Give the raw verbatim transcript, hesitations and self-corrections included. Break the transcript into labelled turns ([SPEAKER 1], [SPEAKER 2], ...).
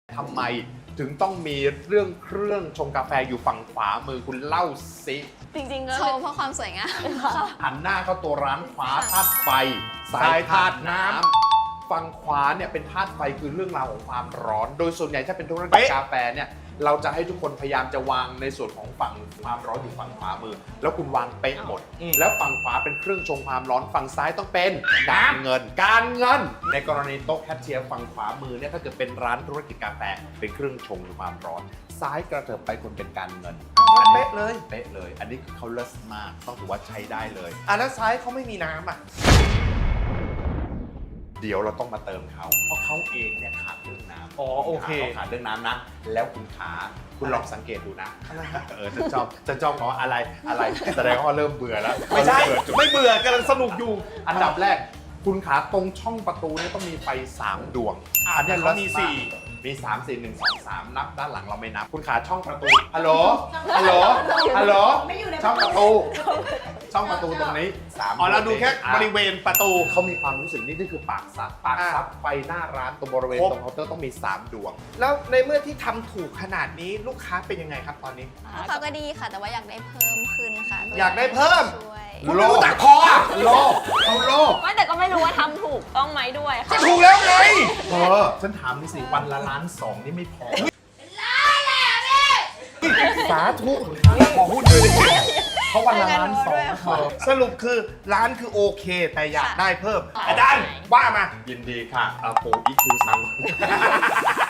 [SPEAKER 1] ทำไมถึงต้องมีเรื่องเครื่องชงกาแฟอยู่ฝั่งขวามือคุณเล่าสิ
[SPEAKER 2] จริงๆก็
[SPEAKER 3] โชว์เพราะความสวยงาม
[SPEAKER 1] หันหน้าเข้าตัวร้านขวาธาตุไฟซ้ายธาตุน้ำฝั่งขวาเนี่ยเป็นธาตุไฟคือเรื่องราวของความร้อน โดยส่วนใหญ่ถ้าเป็นธุรกิจกาแฟเนี่ยเราจะให้ทุกคนพยายามจะวางในส่วนของฝั่งความร้อนอยู่ฝั่งขวามือ แล้วคุณวางเป๊ะหมด แล้วฝั่งขวาเป็นเครื่องชงความร้อนฝั่งซ้ายต้องเป็นการเงิน การเงิน ในกรณีโต๊ะแคชเชียร์ฝั่งขวามือเนี่ยถ้าเกิดเป็นร้านธุรกิจกาแฟเป็นเครื่องชงความร้อน ซ้ายกระเถิบไปคนเป็นการเงิน
[SPEAKER 4] เป๊ะเลย
[SPEAKER 1] เป๊ะเลย อันนี้คือเขาเลิศมากต้องถือว่าใช้ได้เลย
[SPEAKER 4] อ่ะแล้วซ้ายเขาไม่มีน้ำอ่ะ
[SPEAKER 1] เดี๋ยวเราต้องมาเติมเขาเพราะเขาเองเนี่ยขาดเรื่องน้ำ
[SPEAKER 4] อ๋อโอเค
[SPEAKER 1] เขาขาดเรื่องน้ำนะ แล้วคุณขาคุณลองสังเกตดูนะเออฉันชอบฉันชอบเพราะอะไรอะไรแสดงว่าเริ่มเบื่อแล้ว
[SPEAKER 4] ไม่ใช่
[SPEAKER 1] เริ่เบื่อจุด
[SPEAKER 4] ไม่เบื่อกำลังสนุกอยู่
[SPEAKER 1] อันดับแรกคุณขาตรงช่องประตูเนี่ยต้องมีไฟสามดวง
[SPEAKER 4] อ่ะ
[SPEAKER 1] อันเนี้ย
[SPEAKER 4] แต่เขามี
[SPEAKER 1] ลักษณะ
[SPEAKER 4] สี่
[SPEAKER 1] มีสามสี่หนึ่งสองสามนับด้านหลังเราไม่นับ คุณขาช่องประตูฮัลโหลฮัลโหลฮัลโหลช่องประตู ช่องประตูตรงนี้สาม
[SPEAKER 4] อ๋อเราดูแค่
[SPEAKER 1] อ่ะ
[SPEAKER 4] บริเวณประตู
[SPEAKER 1] เขามีความรู้สึกนี่นี่คือปากซับปาก
[SPEAKER 4] อ่า
[SPEAKER 1] ซับไฟหน้าร้านตรงบริเวณ
[SPEAKER 4] ครบ
[SPEAKER 1] ตรงเคาน์เตอร์ต้องมีสามดวง
[SPEAKER 4] แล้วในเมื่อที่ทำถูกขนาดนี้ลูกค้าเป็นยังไงครับตอนนี้
[SPEAKER 3] ลูกค้าก็ดีค่ะ แต่ว่าอยากได้เพิ่มขึ้นค่ะ
[SPEAKER 4] อยากได้เพิ่ม
[SPEAKER 3] ช่วย
[SPEAKER 4] คุณไม่รู้จักพออ่ะ
[SPEAKER 1] โลภเขาโลภ
[SPEAKER 2] ไม่แต่ก็ไม่รู้ว่าทำถูกต้องไหมด้วย
[SPEAKER 4] ก็
[SPEAKER 2] ค่ะ
[SPEAKER 4] ถูกแล้วไง
[SPEAKER 1] เออฉันถามนี่สิวันละล้านสองนี่ไม่พอ
[SPEAKER 4] สาธุขอหุ้นด้วยเลย
[SPEAKER 1] เพราะวันละล้านสองไม่พอ
[SPEAKER 4] สรุปคือร้านคือโอเค แต่อยาก
[SPEAKER 3] ค่ะ
[SPEAKER 4] ได้เพิ่มอาจารย์ว่ามา
[SPEAKER 1] ยินดีค่ะอาโปอีคิวซัง